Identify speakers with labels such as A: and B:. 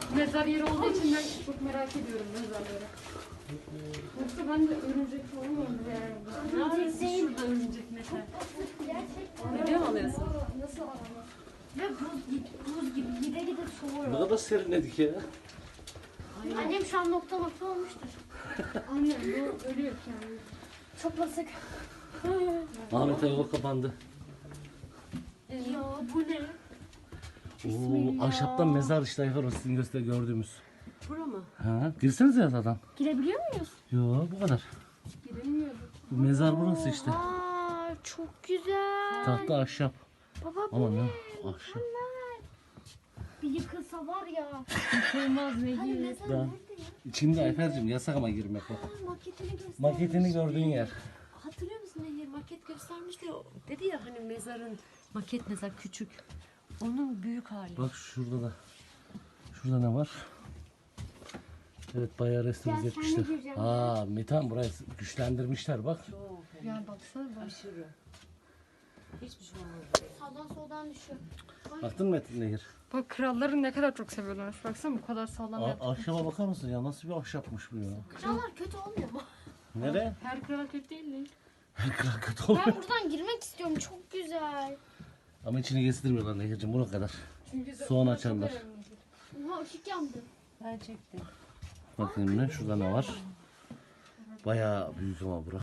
A: mezar yeri olduğu için ben çok merak ediyorum mezarları. Yoksa ben de örümcek falan vardı yani.
B: Örümcek değil.
A: Şurada örümcek mesela.
B: Gerçekten.
A: Video mu alıyorsun?
B: Nasıl alamaz? Ve buz gibi gide gide
C: Ne
B: soğuyor.
C: kadar serinledik ya.
B: Annem şu an nokta olmuştur.
A: Annem bu ölüyor yani.
B: Çok basık.
C: Ahmet yol kapandı.
B: Ya bu ne?
C: Oo, ahşaptan mezar işte Ayfer, o sizin gördüğümüz.
A: Bura mı?
C: Ha, girsenize yatadan.
B: Girebiliyor muyuz?
C: Yo, bu kadar.
A: Giremiyorum.
C: Bu mezar burası işte.
B: Aa, çok güzel.
C: Tahta ahşap.
B: Baba bu
C: Ama
B: ne?
C: ne? Ahşap.
B: Mükemmel. Bir yıkılsa var ya.
A: Olmaz ne
B: Hani
A: gibi.
B: mezar
C: Da.
B: nerede ya?
C: İçinde Ayfer'cim yasak ama girmek bak.
B: Maketini göstermiş.
C: Maketini gördüğün yer.
A: Hatırlıyor musun Nehir? Maket göstermişti. Dedi ya hani mezarın maket mezar küçük. Onun büyük hali.
C: Bak şurada da. Şurada ne var? Evet, bayağı restore
B: Gel, sen de
C: etmişler.
B: gireceğim.
C: Aa, Metan burayı güçlendirmişler bak.
A: Yani baksana bak.
D: Aşırı. Hiçbir şey olmaz.
B: Sağdan soldan düşüyor.
C: Baktın mı Metin Nehir?
A: Bak kralları ne kadar çok seviyorlarmış. Baksana bu kadar sağlam yaptı.
C: Ahşaba bakar mısın ya? Nasıl bir ahşapmış bu ya?
B: Krallar kötü olmuyor mu?
C: Nere?
A: Her kral kötü değil mi?
C: Her kral kötü oluyor.
B: Ben buradan girmek istiyorum. Çok güzel.
C: Ama içine gezdirmiyorlar Nehir'cim, buna kadar.
A: Çünkü
C: Soğan açarlar.
B: Oha ışık yandı.
D: Ben çektim.
C: Bakayım ne? Şurada ne var? Bayağı büyük ama bura.